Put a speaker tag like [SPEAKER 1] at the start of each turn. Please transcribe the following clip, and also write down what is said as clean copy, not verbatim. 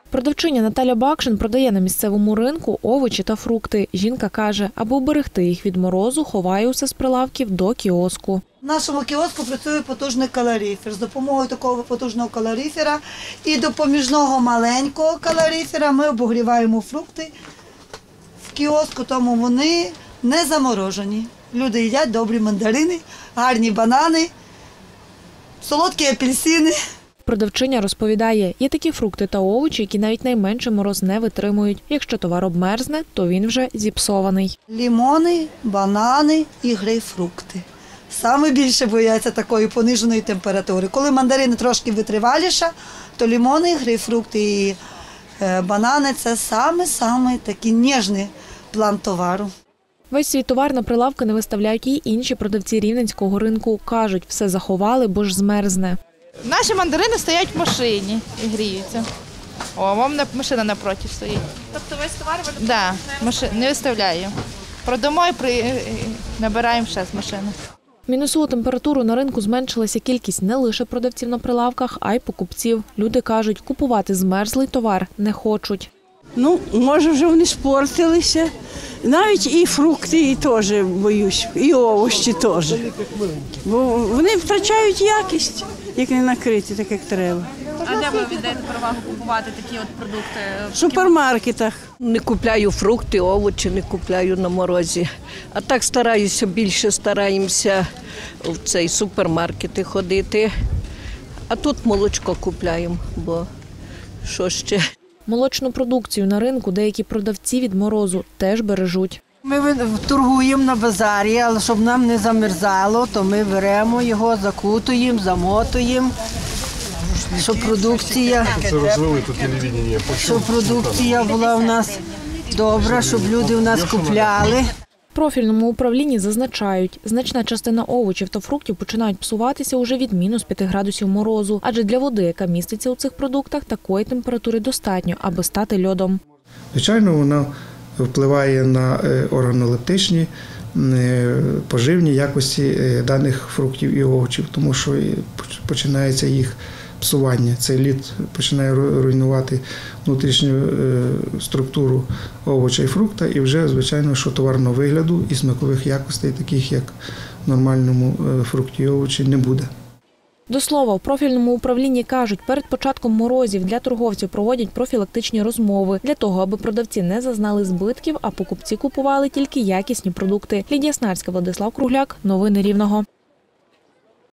[SPEAKER 1] Продавчиня Наталя Бакшин продає на місцевому ринку овочі та фрукти. Жінка каже, аби уберегти їх від морозу, ховає усе з прилавків до кіоску.
[SPEAKER 2] В нашому кіоску працює потужний калорифер. З допомогою такого потужного калорифера і допоміжного маленького калорифера ми обогріваємо фрукти в кіоску, тому вони не заморожені. Люди їдять добрі мандарини, гарні банани, солодкі апельсини.
[SPEAKER 1] Продавчиня розповідає, є такі фрукти та овочі, які навіть найменший мороз не витримують. Якщо товар обмерзне, то він вже зіпсований.
[SPEAKER 2] Лімони, банани і грейпфрукти. Саме більше бояться такої пониженої температури. Коли мандарини трошки витриваліша, то лимони, грейпфрукти і банани – це саме такий ніжний план товару.
[SPEAKER 1] Весь свій товар на прилавки не виставляють і інші продавці Рівненського ринку. Кажуть, все заховали, бо ж змерзне.
[SPEAKER 3] Наші мандарини стоять в машині і гріються. О, вам машина напроти стоїть.
[SPEAKER 4] Тобто весь товар ви
[SPEAKER 3] Не виставляю. Продамо і набираємо ще з машини.
[SPEAKER 1] В мінусову температуру на ринку зменшилася кількість не лише продавців на прилавках, а й покупців. Люди кажуть, купувати змерзлий товар не хочуть.
[SPEAKER 5] Може вже вони спортилися. Навіть і фрукти теж боюсь, і овочі теж. Бо вони втрачають якість, як не накриті, так як треба.
[SPEAKER 4] А де ви віддаєте перевагу купувати такі от продукти?
[SPEAKER 5] В супермаркетах.
[SPEAKER 6] Не купляю фрукти, овочі не купляю на морозі. А так стараємося в цей супермаркети ходити. А тут молочко купляємо, бо що ще?
[SPEAKER 1] Молочну продукцію на ринку деякі продавці від морозу теж бережуть.
[SPEAKER 5] Ми торгуємо на базарі, але щоб нам не замерзало, то ми беремо його, закутуємо, замотуємо, щоб продукція була у нас добра, щоб люди у нас купляли.
[SPEAKER 1] В профільному управлінні зазначають, значна частина овочів та фруктів починають псуватися уже від мінус 5 градусів морозу. Адже для води, яка міститься у цих продуктах, такої температури достатньо, аби стати льодом.
[SPEAKER 7] Звичайно, вона впливає на органолептичні, поживні якості даних фруктів і овочів, тому що починається їх псування. Цей лід починає руйнувати внутрішню структуру овоча і фрукта, і вже, звичайно, що товарного вигляду і смакових якостей, таких як в нормальному фрукті і овочі, не буде.
[SPEAKER 1] До слова, в профільному управлінні кажуть, перед початком морозів для торговців проводять профілактичні розмови для того, аби продавці не зазнали збитків, а покупці купували тільки якісні продукти. Лідія Снарська, Владислав Кругляк. Новини Рівного.